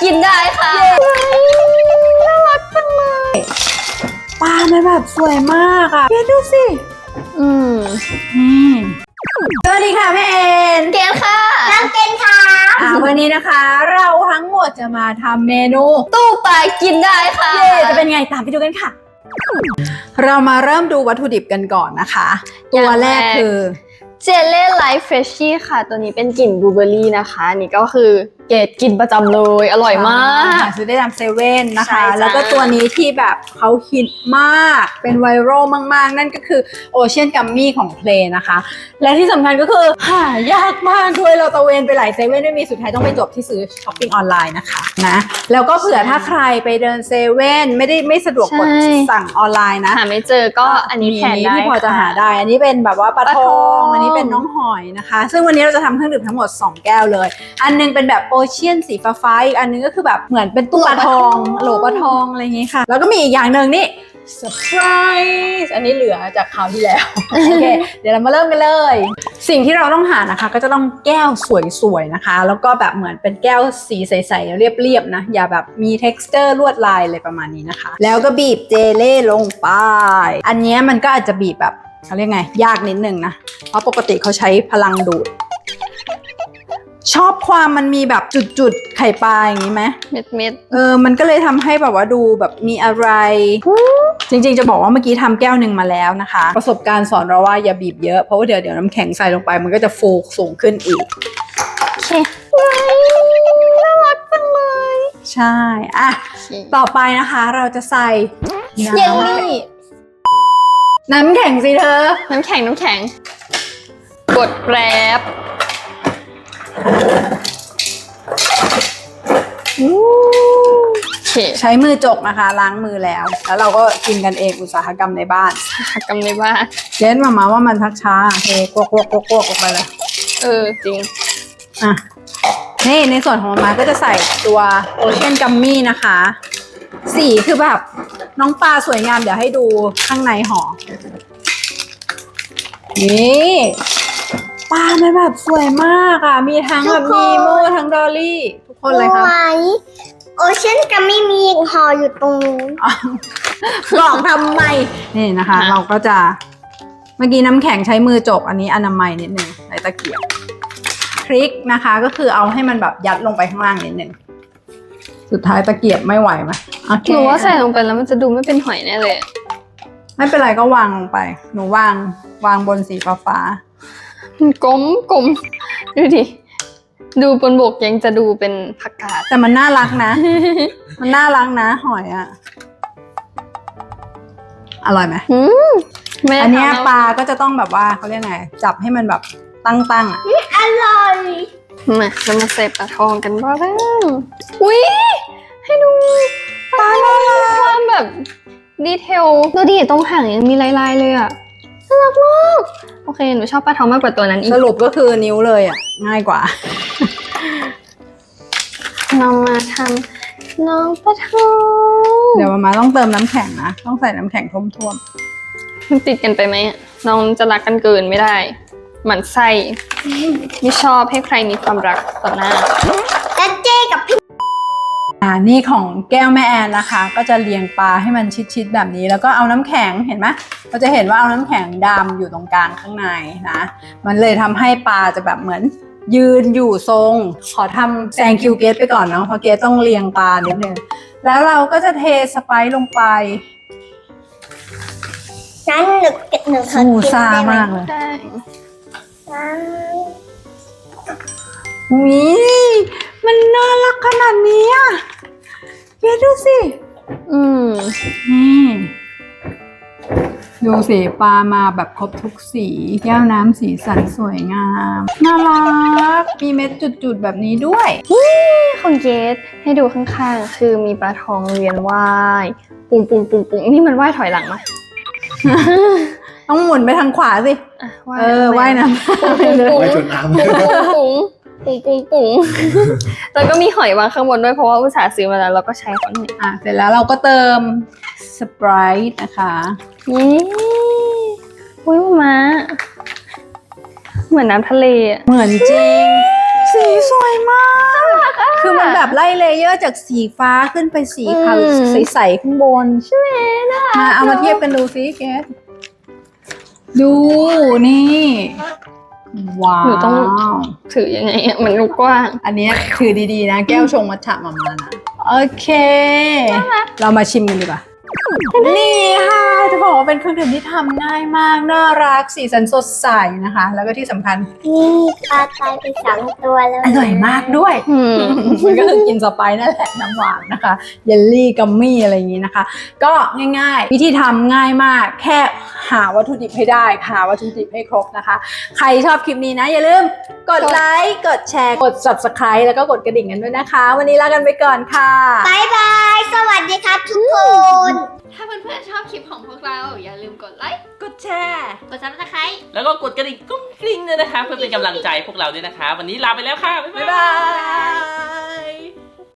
กินได้ค่ะน่ารักจังเลยปลามันแบบสวยมากอ่ะเกดดูสินี่สวัสดีค่ะแม่เอ็นเกนค่ะน้ำเกนค่ะวันนี้นะคะเราทั้งหมดจะมาทำเมนูตู้ปลากินได้ค่ะเย่จะเป็นไงตามไปดูกันค่ะเรามาเริ่มดูวัตถุดิบกันก่อนนะคะตัวแรกคือเจเล่ไลฟ์เฟรชชี่ค่ะตัวนี้เป็นกลิ่นบลูเบอร์รี่นะคะนี่ก็คือเกดกินประจำเลยอร่อยมากซื้อได้ตามเซเว่นนะคะใช่แล้วก็ตัวนี้ที่แบบเขาฮิตมากเป็นไวรัลมากๆนั่นก็คือโอเชียนกัมมี่ของเพลนะคะและที่สำคัญก็คือหายากมากด้วยเราตะเวนไปหลายเซเว่นไม่มีสุดท้ายต้องไปจบที่ซื้อช้อปปิ้งออนไลน์นะคะนะแล้วก็เผื่อถ้าใครไปเดินเซเว่นไม่สะดวกกดสั่งออนไลน์นะหาไม่เจอก็อันนี้แทนได้ที่พอจะหาได้อันนี้เป็นแบบว่าปลาทองอันนี้เป็นน้องหอยนะคะซึ่งวันนี้เราจะทำเครื่องดื่มทั้งหมด2แก้วเลยอันนึงเป็นแบบโอเชียนสีฟ้าอีกอันนึงก็คือแบบเหมือนเป็นตู้ปลาทองโหลปลาทองอะไรอย่างงี้ค่ะแล้วก็มีอีกอย่างหนึ่งนี่เซอร์ไพรส์อันนี้เหลือจากคราวที่แล้วโอเคเดี๋ยวเรามาเริ่มกันเลยสิ่งที่เราต้องหานะคะก็จะต้องแก้วสวยๆนะคะแล้วก็แบบเหมือนเป็นแก้วสีใสๆเรียบๆนะอย่าแบบมี texture ลวดลายอะไรประมาณนี้นะคะแล้วก็บีบเจเล่ลงไปอันนี้มันก็อาจจะบีบแบบเขาเรียกไงยากนิดนึงนะเพราะปกติเขาใช้พลังดูดชอบความมันมีแบบจุดๆไข่ปลาอย่างนี้ไหมเม็ดมันก็เลยทำให้แบบว่าดูแบบมีอะไรจริงๆจะบอกว่าเมื่อกี้ทำแก้วหนึ่งมาแล้วนะคะประสบการณ์สอนเราว่าอย่าบีบเยอะเพราะว่าเดี๋ยวน้ำแข็งใส่ลงไปมันก็จะฟูสูงขึ้นอีกโอเคน่ารักจังเลยใช่อ่ะต่อไปนะคะเราจะใส่เยลลี่น้ำแข็งสิเธอน้ำแข็งกดแกร็บใช้มือจกนะคะล้างมือแล้วเราก็กินกันเองอุตสาหกรรมในบ้านเจนมาว่ามันทักช้าเทกวกออกไปเลยจริงอ่ะนี่ในส่วนของมาก็จะใส่ตัวโอเชียนกัมมี่นะคะสีคือแบบน้องปลาสวยงามเดี๋ยวให้ดูข้างในห่อนี่ปลามันแบบสวยมากอ่ะมีทั้งแบบนีโมทั้งดอลลี่ทุกคนเลยครับโอเชียนกัมมี่มีห่ออยู่ตรงนู้นหลอกทำไมนี่นะคะเราก็จะเมื่อกี้น้ำแข็งใช้มือจกอันนี้อนามัยนิดนึงใส่ตะเกียบพริกนะคะก็คือเอาให้มันแบบยัดลงไปข้างล่างนิดนึงสุดท้ายตะเกียบไม่ไหวไหมหนูว่าใส่ลงไปแล้วมันจะดูไม่เป็นหอยแน่เลยไม่เป็นไรก็วางลงไปหนูวางบนสีฟ้ากลมดูดิดูบนบกยังจะดูเป็นผักกาดแต่มันน่ารักนะ มันน่ารักนะหอยอ่ะอร่อยไหมอันนี้ปลาก็จะต้องแบบว่าเขาเรียกไงจับให้มันแบบตั้งอ่ะอร่อยมาเรามาใส่ปลาทองกันบ้างอุ้ยให้ดูปลาความแบบดีเทลดูดิตรงหางยังมีลายๆเลยอ่ะน่ารักมากโอเคหนูชอบปลาทองมากกว่าตัวนั้นอีกสรุปก็คือนิ้วเลยอ่ะง่ายกว่าเรามาทำน้องปลาทองเดี๋ยวมาต้องเติมน้ำแข็งนะต้องใส่น้ำแข็งท่วมมันติดกันไปไหมน้องจะรักกันเกินไม่ได้หมั่นไส้ไม่ชอบให้ใครมีความรักต่อหน้าและเจ๊กับพี่นี่ของแก้วแม่แอนนะคะก็จะเรียงปลาให้มันชิดๆแบบนี้แล้วก็เอาน้ำแข็งเห็นไหมเราจะเห็นว่าเอาน้ำแข็งดำอยู่ตรงกลางข้างในนะมันเลยทำให้ปลาจะแบบเหมือนยืนอยู่ทรงขอทำแซงคิวเกตไปก่อนเนาะเพราะเกตต้องเรียงปลานิดนึงแล้วเราก็จะเทสไปซ์ลงไปงั้นหนูขอกินซ่ามากเลยอุ๊ยมันน่ารักขนาดนี้อ่ะเกดดูสินี่ดูสิปลามาแบบครบทุกสีแก้วน้ำสีสันสวยงามน่ารักมีเม็ดจุดๆแบบนี้ด้วยของเกดให้ดูข้างๆคือมีปลาทองเวียนว่ายปุ้งนี่มันว่ายถอยหลังไหมต้องหมุนไปทางขวาสิว่ายน้ำว่ายจนน้ำปุ้งแล้วก็มีหอยวางข้างบนด้วยเพราะว่าอุตส่าห์ซื้อมาแล้วเราก็ใช้เขาหน่อยเสร็จแล้วเราก็เติมสไปร์นะคะนี่อุ้ยมาเหมือนน้ำทะเลเหมือนจริงสีสวยมากคือมันแบบไล่เลเยอร์จากสีฟ้าขึ้นไปสีขาวใสๆข้างบนใช่ไหมมาเอามาเทียบกันดูสิเกสดูนี่ว้าวหนูต้องถือยังไงอะมันกว้างอันนี้ถือดีๆนะแก้วชงมัทฉะมานะโอเค เรามาชิมกันดีกว่านี่ค่ะจะบอกว่าเป็นเครื่องดื่มที่ทำง่ายมากน่ารักสีสันสดใสนะคะ แล้วก็ที่สำคัญนี่ปลาตายไป2 ตัวแล้วอร่อยมากด้วย มันก็คือกินสไปซ์นั่นแหละน้ำหวานนะคะเยลลี่กัมมี่อะไรอย่างนี้นะคะ ก็ง่ายๆวิธีทำง่ายมากแค่หาวัตถุดิบให้ได้หาวัตถุดิบให้ครบนะคะ ใครชอบคลิปนี้นะอย่าลืมกดไลค์กดแชร์กด subscribe แล้วก็กดกระดิ่งกันด้วยนะคะ วันนี้ลากันไปก่อนค่ะบายบาย สวัสดีครับทุกคนถ้าเพื่อนๆชอบคลิปของพวกเราอย่าลืมกดไลค์กดแชร์กดซับสไครต์แล้วก็กดกระดิ่งกุ้งกริ้งด้วยนะคะ เพื่อเป็นกำลังใจพวกเราด้วยนะคะ วันนี้ลาไปแล้วค่ะ บ๊ายบ๊ายบาบาย ย